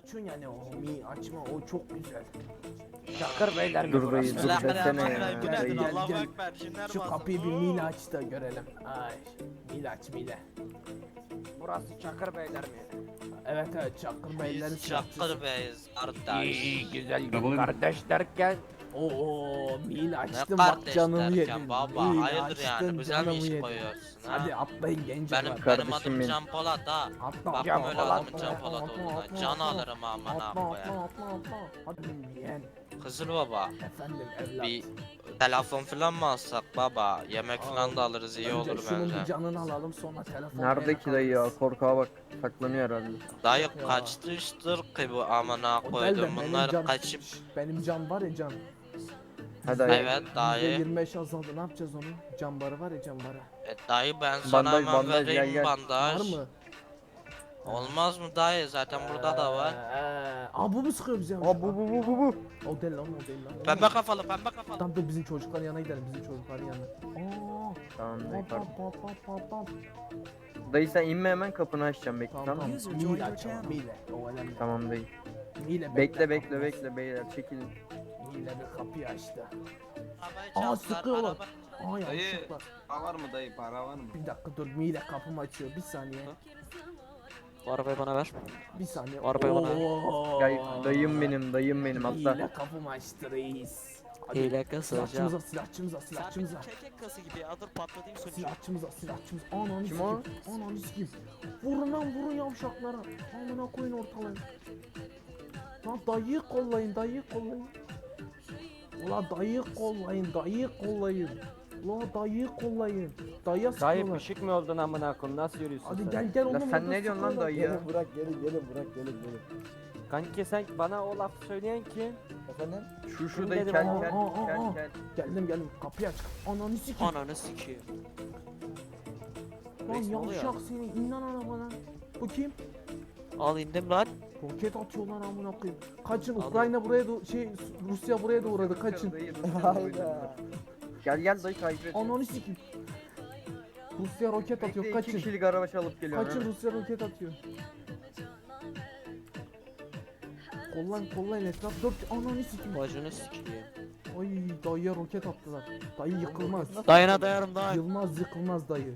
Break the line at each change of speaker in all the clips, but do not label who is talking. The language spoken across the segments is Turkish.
açıyorsun yani o mi açma o çok güzel. Çakır beyler mi
Dur dayı,
burası?
dur desene ya.
Bismillahirrahmanirrahim. Bu nedir?
Dayı.
Allahu
Gel.
Ekber. Cinler
Şu
bazı.
kapıyı bir mil aç da görelim. Ay mil aç mile.
Burası Çakır Beyler mi?
Evet evet Çakır beylerin
Biz Çakır Bey'iz kardeş.
İyi güzel
Babalı-
kardeş derken Oo mil açtım
Ne
bak
kardeş
canımı
derken
yedin.
baba
Mil
hayırdır
açtın,
yani güzel mi
canımı
iş
yedin.
koyuyorsun ha?
Hadi atlayın genç
Benim
Kardeşim
adım
benim.
Can Polat ha.
Atla
Bakma
Can
öyle
Polat,
adamın
atla,
Can
atla,
Polat
atla,
olduğuna.
atla,
Can
atla.
alırım amına
Atla
koyayım.
atla. Hadi yeğen.
Kızıl baba
Efendim evlat.
bir telefon falan mı alsak baba? Yemek falan da alırız iyi
Önce
olur
şunun bir
bence.
canını alalım sonra telefon.
Nerede ki dayı ya? Korkağa bak. Saklanıyor herhalde.
Dayı
Ya.
kaçtır ki bu amına
O
koydum
değil de
bunlar
can,
kaçıp.
Benim can var ya can.
Hadi dayı.
Evet dayı.
%25 azaldı ne yapacağız onu? Can barı var ya can barı.
Dayı ben sana
Bandaj,
hemen
bandaj,
vereyim
gel, gel.
bandaj.
Var mı?
Olmaz mı dayı zaten burada da var.
Aa bu mu sıkıyor bize?
Aa bu.
O değil lan o değil lan.
Pembe kafalı pembe kafalı.
Tamam dur bizim çocukların yanına gidelim bizim çocukların yanına. Aa.
Tamam dayı
Pam
pardon.
pam.
Dayı sen inme hemen kapını açacağım bekle
Tamam
tamam
tamam.
mı?
User joined
Mile
your
açalım
channel.
mile. O önemli.
Tamam dayı.
Mile
Bekle beyler çekilin.
Mile bir kapıyı açtı.
Arabayı
Aa
çaldılar,
sıkıyorlar.
araba-
Aa
Dayı.
yanlışlıkla.
Para var mı dayı? Para var mı?
Bir dakika dur Mile kapımı açıyor bir saniye.
Bu arabayı bana ver.
Bir saniye.
Arabayı bana ver.
Oo.
Dayım benim atla.
Mile kapımı açtı reis. Hadi.
Hile kasacağım.
Silahçımıza.
Kekek kası gibi adır patlatayım sonucu.
Silahçımıza. Ananı
Kim o?
sikeyim. Ananı sikeyim. Vurun lan vurun yavşaklara. Amına koyun ortalayın. Lan dayıyı kollayın. Ulan dayıyı kollayın. Ulan dayıyı kollayın. Dayıya
Dayı
sıkıyorlar.
pişik mi oldun amına koyayım nasıl yürüyorsun
Hadi
sen?
gel
La
oğlum.
sen
burada
ne diyorsun lan
sıkıyorlar.
dayı ya?
Gelin.
Kanki sen bana o lafı söyleyen kim?
Efendim?
Şu
Dedim,
dayı
aa,
kel.
Geldim. Kapıyı aç. Ananı sikeyim.
Ananı sikeyim.
Lan
Reis ne oluyor?
yavşak seni. İn lan arabadan. Bu kim?
Al indim lan.
Roket atıyorlar amına koyayım. Kaçın
Abi.
Ukrayna buraya Rusya buraya da uğradı kaçın.
Dayı,
Hayda.
Gel dayı takip et.
Ananı sikeyim. Rusya roket atıyor
İki
kaçın.
kişilik araba çalıp geliyor.
Kaçın Rusya roket atıyor. Kollayın etraf dört ananı sikeyim.
Bacını sikeyim.
Ay dayıya roket attılar. Dayı yıkılmaz.
Dayına dayarım dayı.
Yıkılmaz dayı.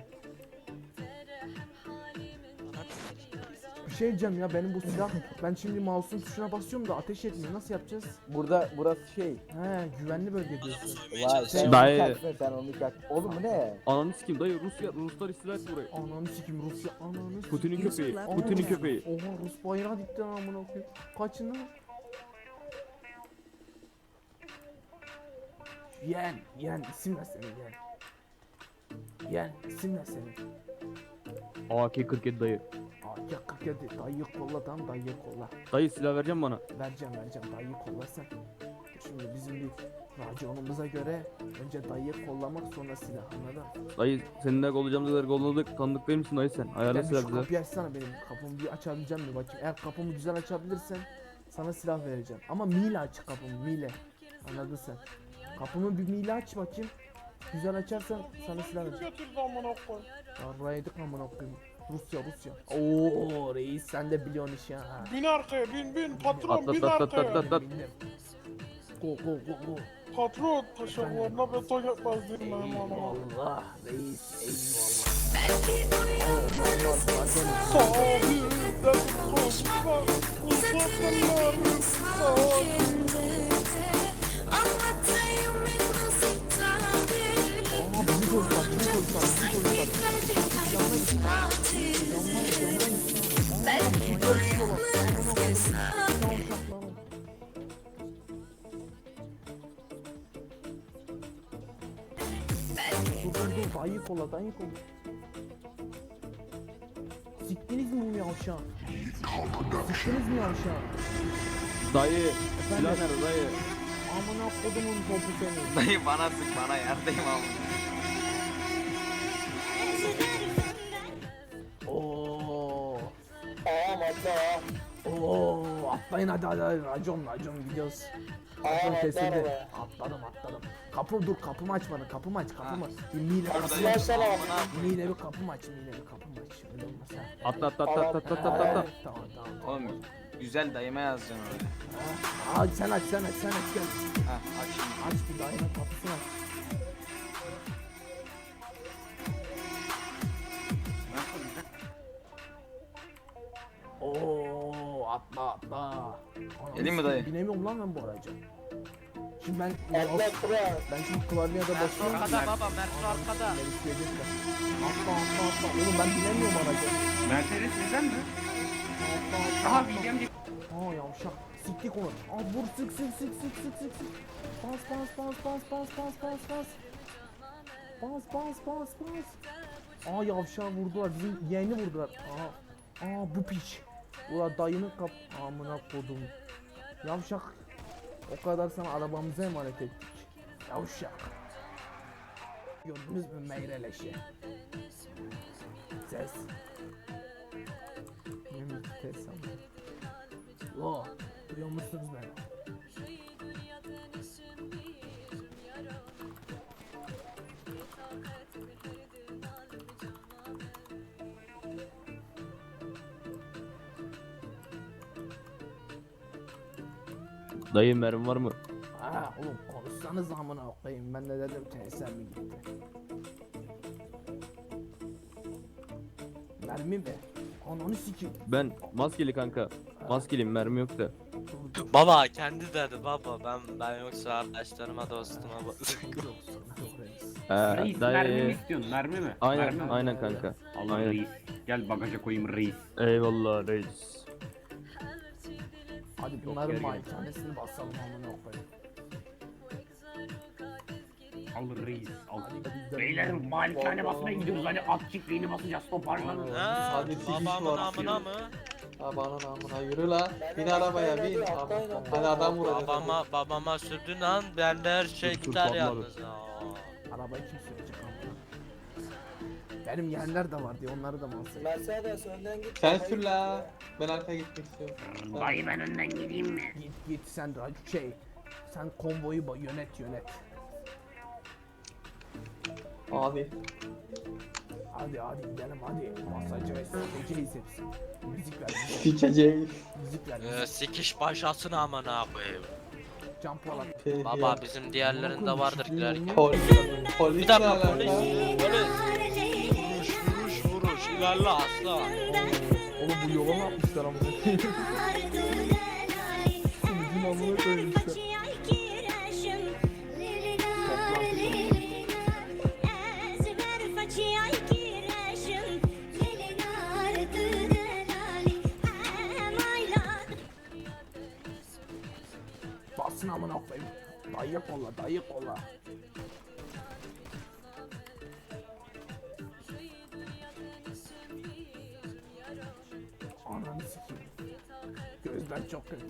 Bir şey diyeceğim ya benim bu silah. Ben şimdi mouse'un tuşuna basıyorum da ateş etmiyor. Nasıl yapacağız?
Burası şey.
He güvenli bölge diyorsun.
Vay sen
Dayı.
onu kalkma sen onu kalk. Oğlum bu ne?
Ananı sikeyim dayı Ruslar istila etti burayı.
Ananı sikeyim Rusya ananı sikeyim.
Putin'in köpeği.
Aa,
Putin'in köpeği.
Oha Rus bayrağı dikti lan amına koyayım. Kaçın lan. Yen isim ne senin Yen isim ne senin?
AK-47 dayı.
AK-47 dayıyı kolla tamam dayıyı kolla.
Dayı silah vereceğim bana.
Vereceğim dayıyı kolla sen. Şimdi bizim bir raconumuza göre önce dayıyı kollamak sonra silah anladın?
Dayı seninle olacağımız kolladık. Tanıdık değil misin dayı sen? Ayarla
Ben bir
silah
şu
bize.
kapıyı açsana benim kapımı bir açabileceğim mi bakayım. Eğer kapımı güzel açabilirsen sana silah vereceğim. Ama mile aç kapımı mile. Anladın sen. Kapımı bir mile aç bakayım. Güzel açarsan sana silah vereceğim.
Götürdü amına koy.
Yarraydık amına koyayım. Rusya. Oo reis sen de biliyorsun iş ya. Ha.
Bin arkaya bin patron
Atla,
bin
atla, atla,
arkaya.
atla.
Bildim. Go.
Patron taşaklarına beton yapmaz değil mi amına?
Eyvallah reis eyvallah.
Sahilden koşma uzaklar sahil.
Aa bizi koydular. Dur dayı kolla. Siktiniz mi bunu yavşağı?
Dayı silah nerede dayı?
Amına kodumun topu seni.
Dayı bana sık bana yerdeyim abi.
Oo.
Ağam atla.
Oo, atlayın hadi racon gidiyoruz. Racon kesildi. Atladım. Kapımı açmadın kapımı aç. Bir mile kapımı aç.
Açsana.
Mile bir kapımı aç. Öyle olmaz ha.
Atla.
Tamam.
Oğlum
Güzel dayıma yazacaksın öyle.
Aa sen aç gel.
Ha aç şimdi.
Aç bir dayının kapısını aç. Oo atla. Anam,
Geleyim mi dayı?
Binemiyorum lan ben bu araca. Şimdi ben
Atla.
ben şimdi klavyede basıyorum.
Arkada baba Mert'in arkada.
Beni isteyecekler. Atla. Oğlum ben binemiyorum araca.
Mercedes neden mi?
Atla.
Aha bileceğim diye.
Aa yavşak. Siktik onu. Aa vur sık. Bas. Aa yavşağı vurdular. Bizim yeğeni vurdular. Aa bu piç. Ula dayının amına kodum. Yavşak. O kadar sana arabamıza emanet ettik. Yavşak. Gördünüz mü meyreleşi? Ses. Ne mi ses sanırım. Lo, duyuyor musunuz beni?
Dayı mermi var mı?
Ha oğlum konuşsanız amına koyayım. Ben de dedim tesisler mi gitti? Mermi mi? Ananı sikeyim.
Ben maskeli kanka. Maskeliyim, mermi yok da.
Baba kendi dedi baba ben yoksa arkadaşlarıma dostuma
Sıkıntı yok reis.
Reis mermi mi
Dayı.
istiyorsun? Mermi mi?
Aynen,
Mermi mi?
aynen kanka.
Allah
Aynen.
reis. Gel bagaja koyayım reis.
Eyvallah reis.
Hadi
Yok,
bunların
geri gel.
malikanesini basalım amına koyayım.
Al reis. Al.
Hadi gidelim.
Beyler malikane basmaya gidiyoruz. Hadi at çiftliğini basacağız. Toparlanın.
Ha,
Hadi sikiş
babamın
var.
amına mı?
Aman amına yürü lan. Bin arabaya bin. Hadi adam vuracağız.
Babama sürdün an bende her şey
Dur,
biter
dur,
yalnız.
Arabayı kim sürecek amına? Benim yeğenler de var diye onları da masaya.
Mercedes önden git. Sen sür la. Ben arkaya gitmek istiyorum.
Dayı ben önden gideyim mi?
Git sen sen konvoyu yönet.
Abi.
Hadi gidelim hadi. Masajı ve stratejiciyiz hepsi. Müzik ver.
Sikeceğiz.
Müzik ver.
Sikiş başlasın amına koyayım.
Can Polat.
Baba bizim diğerlerinde vardır ileriki.
Polis. Polis
Bir
ne
dakika
alaka?
polis. Vuruş ilerle asla.
Oğlum bu yola ne yapmışlar amına? Bizim amına koymuşlar. Basın amına koyayım. Dayı kolla. Ananı sikeyim. Gözler çok kötü.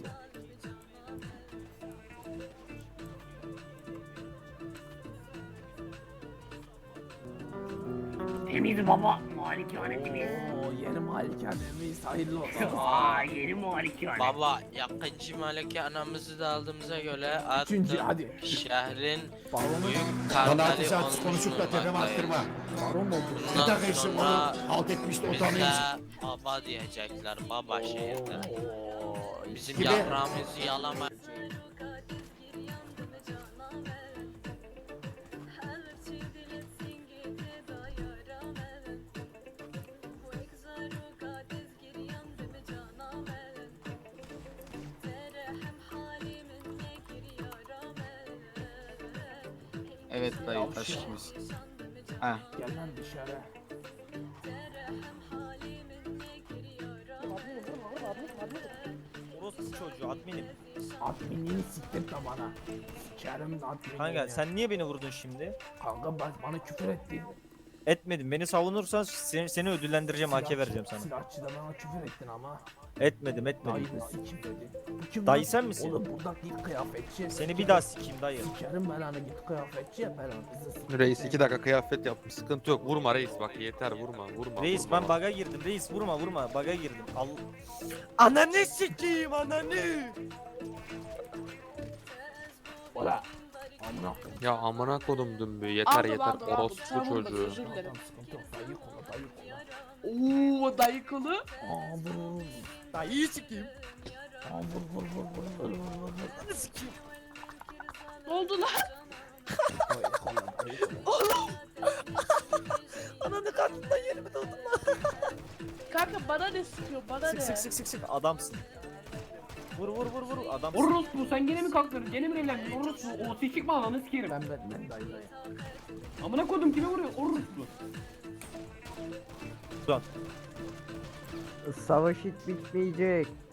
Temiz baba. Malikane temiz.
Oo yeni malikanemiz hayırlı olsun.
Aa yeni malikane.
Baba yakıncı maliki anamızı da aldığımıza göre
Üçüncü
artık
hadi.
şehrin
Balonu
büyük karteli
konuşup da tepeme attırma.
baron oldu.
Bundan
dakika işte
sonra
onu alt etmişti
bize
utanıyoruz.
baba diyecekler baba şehirde.
Oo,
Bizim
gibi.
yaprağımızı yalama.
Evet dayı taş gibisin. Ha.
Gel lan dışarı.
Orospu çocuğu adminim.
Adminliğini siktirtme bana. Sikerim de adminliğini.
Kanka sen niye beni vurdun şimdi?
Kanka bana küfür ettin.
Etmedim. Beni savunursan seni ödüllendireceğim, AK vereceğim sana.
Silahçıda bana küfür ettin ama.
Etmedim.
Dayını sikim dedi. Bu kim
Dayı
lan?
sen misin?
Oğlum burada git kıyafetçi.
Seni bir daha sikeyim dayı.
Sikerim belanı git kıyafetçi belanızı sikim.
Reis 2 dakika kıyafet yapmış. Sıkıntı yok. Vurma reis bak yeter vurma.
Reis
vurma.
ben baga girdim. Reis vurma. Baga girdim. Ananı sikeyim ananı.
Ola. Amına.
Ya amına kodum dümbü yeter yeter orospu çocuğu.
Tamam sıkıntı yok. Dayı kola
Oo dayı kolu.
Aa vur.
Dayıyı sikeyim.
Aa vur.
Ananı sikeyim.
Ne oldu lan?
Ananı karnından yerimi doldum lan.
Kanka bana ne sıkıyor bana ne?
Sık adamsın. Vur adamsın.
Orospu sen gene mi kalktın? Gene mi eğlendin? Orospu o sikik mi alanı sikerim.
Ben dayı.
Amına kodum kime vuruyor? Orospu.
Savaş hiç bitmeyecek.